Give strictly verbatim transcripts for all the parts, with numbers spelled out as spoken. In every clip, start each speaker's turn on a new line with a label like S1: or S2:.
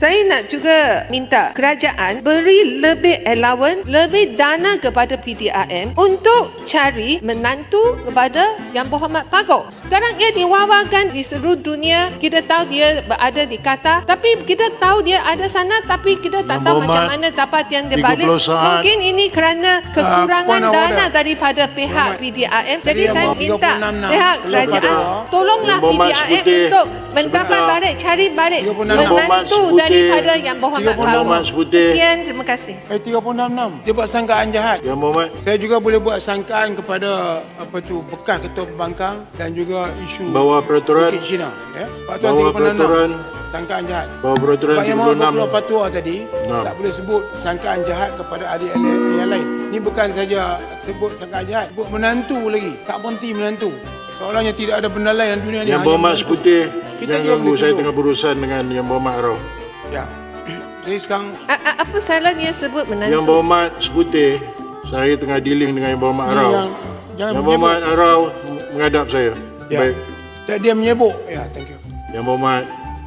S1: Saya nak juga minta kerajaan beri lebih allowance, lebih dana kepada P D R M untuk cari menantu kepada Yang Berhormat Pago. Sekarang ia diwawakan di seluruh dunia. Kita tahu dia berada di Qatar, tapi kita tahu dia ada sana, tapi kita tak tahu macam mana dapat yang dia balik. Mungkin ini kerana kekurangan uh, dana daripada pihak P D R M. Jadi saya minta pihak kerajaan tolonglah P D R M untuk mendapat balik, cari balik menantu daripada Yang Berhormat Pago. Sekian, terima kasih.
S2: Eh, tiga puluh enam enam. Dia buat sangkaan jahat.
S3: Yang Berhormat.
S2: Saya juga boleh buat sangkaan kepada apa tu bekas ketua pembangkang dan juga isu
S3: bawah peraturan
S2: Bukit Cina. Ya.
S3: Bawah peraturan
S2: sangkaan jahat.
S3: Bawah peraturan
S2: Sebab
S3: tiga puluh enam.
S2: Yang Maha fatwa tadi
S3: Nah.
S2: tak boleh sebut sangkaan jahat kepada ahli-ahli yang lain. Ini bukan saja sebut sangkaan jahat, sebut menantu lagi. Tak berhenti menantu. Seolahnya tidak ada benda lain dalam dunia ni.
S3: Yang Berhormat Seputih,
S2: Kita
S3: jangan
S2: juga
S3: ganggu,
S2: boleh
S3: saya
S2: tuduh.
S3: tengah berurusan dengan Yang Berhormat Arau.
S2: Ya. Saya sekarang
S1: A- a- apa salahnya sebut menantu?
S3: Yang Berhormat Seputih, saya tengah dealing dengan Yang Berhormat Arau.
S2: yang jangan
S3: Yang Berhormat Arau menghadap saya.
S2: Ya.
S3: Baik,
S2: Dan dia menyebut. Ya, thank you.
S3: Yang Berhormat.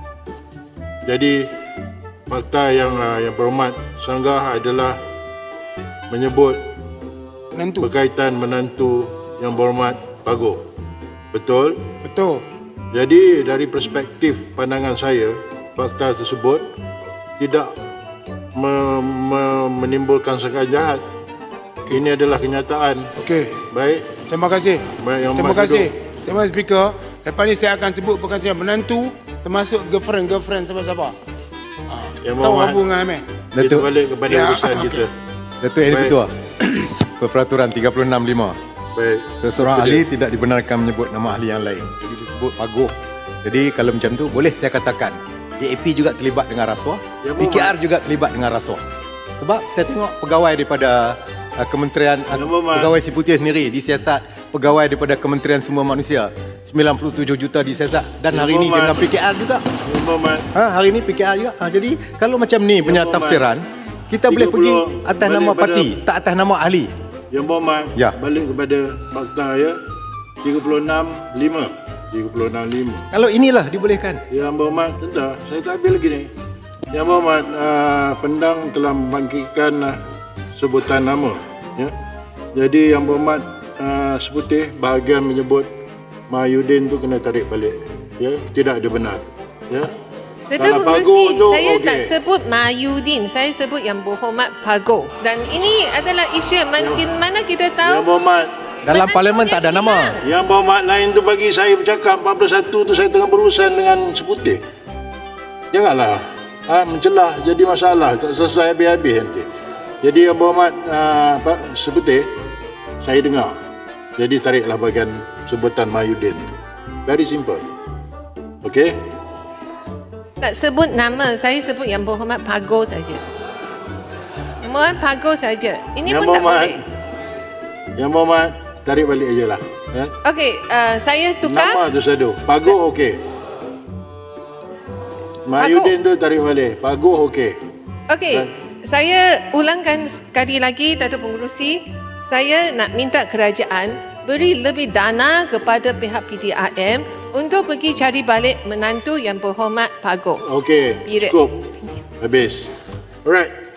S3: Jadi fakta yang uh, Yang Berhormat sanggah adalah menyebut
S2: Menantu.
S3: berkaitan menantu Yang Berhormat Pago. Betul?
S2: Betul.
S3: Jadi dari perspektif pandangan saya, fakta tersebut tidak me- me- menimbulkan sangkaan jahat. Ini adalah kenyataan.
S2: Okey.
S3: Baik.
S2: Terima kasih.
S3: Baik, Yang
S2: Terima
S3: Berhormat
S2: kasih.
S3: duduk.
S2: Terima kasih Speaker. Lepas ni saya akan sebut perkataan menantu termasuk girlfriend-girlfriend siapa-siapa.
S3: Yang
S2: Tahu
S3: Berhormat,
S2: Abu dengan Amir.
S3: kita
S4: Datuk,
S3: balik kepada
S2: Ya,
S3: urusan
S2: okey.
S3: kita.
S4: Datuk Yang
S3: Baik.
S4: Ketua. Peraturan tiga puluh enam lima.
S3: Baik.
S4: Seseorang
S3: Itu
S4: ahli
S3: dia.
S4: tidak dibenarkan menyebut nama ahli yang lain. Jadi disebut Pago. Jadi kalau macam tu boleh saya katakan J A P juga terlibat dengan rasuah,
S3: Ya,
S4: P K R juga terlibat dengan rasuah. Sebab kita tengok pegawai daripada uh, Kementerian uh,
S3: Ya, Muhammad.
S4: Pegawai Si Putih sendiri disiasat, pegawai daripada Kementerian Sumber Manusia sembilan puluh tujuh juta disiasat dan
S3: Ya,
S4: hari ini
S3: Muhammad.
S4: dengan P K R juga.
S3: Yang Berhormat.
S4: Ha, hari ini P K R juga. Ha, jadi kalau macam ni punya
S3: Muhammad.
S4: tafsiran, kita boleh
S3: tiga
S4: pergi
S3: puluh
S4: atas
S3: balik
S4: nama
S3: pada-
S4: parti, tak atas nama ahli.
S3: Yang Berhormat,
S4: Ya.
S3: balik kepada fakta ya. tiga puluh enam lima. tiga puluh enam lima.
S4: Kalau inilah dibolehkan.
S3: Yang Berhormat, sebentar, saya tak habis lagi ni. Yang Berhormat, uh, Pendang telah membangkitkan uh, sebutan nama. Ya. Jadi Yang Berhormat uh, Seputih bahagian menyebut Mahyudin tu kena tarik balik. Ya, tidak ada benar. Ya.
S1: Datuk
S3: Kalau Pago
S1: Pengerusi,
S3: tu,
S1: saya
S3: okey.
S1: tak sebut Mahyudin, saya sebut Yang Berhormat Pago. Dan ini adalah isu yang makin mana kita
S3: Yang
S1: tahu
S3: Berhormat,
S4: Dalam
S1: menantunya
S4: parlimen tak ada nama.
S1: hilang.
S3: Yang Berhormat lain tu bagi saya bercakap empat puluh satu tu saya tengah berurusan dengan Seputih. Janganlah ha, mencelah jadi masalah, tak selesai habis-habis nanti. Jadi Yang Berhormat uh, Pak Seputih, saya dengar. Jadi tariklah bahagian sebutan Mahyudin tu. Very simple. Okey?
S1: Tak sebut nama, saya sebut Yang Berhormat Pago saja. Yang Berhormat Pago saja. Ini
S3: Yang
S1: pun tak
S3: Berhormat,
S1: boleh.
S3: Yang Berhormat tarik balik aje lah. Ya?
S1: Okey, uh, saya tukar.
S3: Nama tu sadu. Pago okey. Mahyudin tu tarik balik. Pago okey.
S1: Okey, saya ulangkan sekali lagi, Datuk Pengerusi. Saya nak minta kerajaan beri lebih dana kepada pihak P D R M untuk pergi cari balik menantu Yang Berhormat Pago.
S3: Okey,
S1: Period.
S3: cukup. Habis. Alright.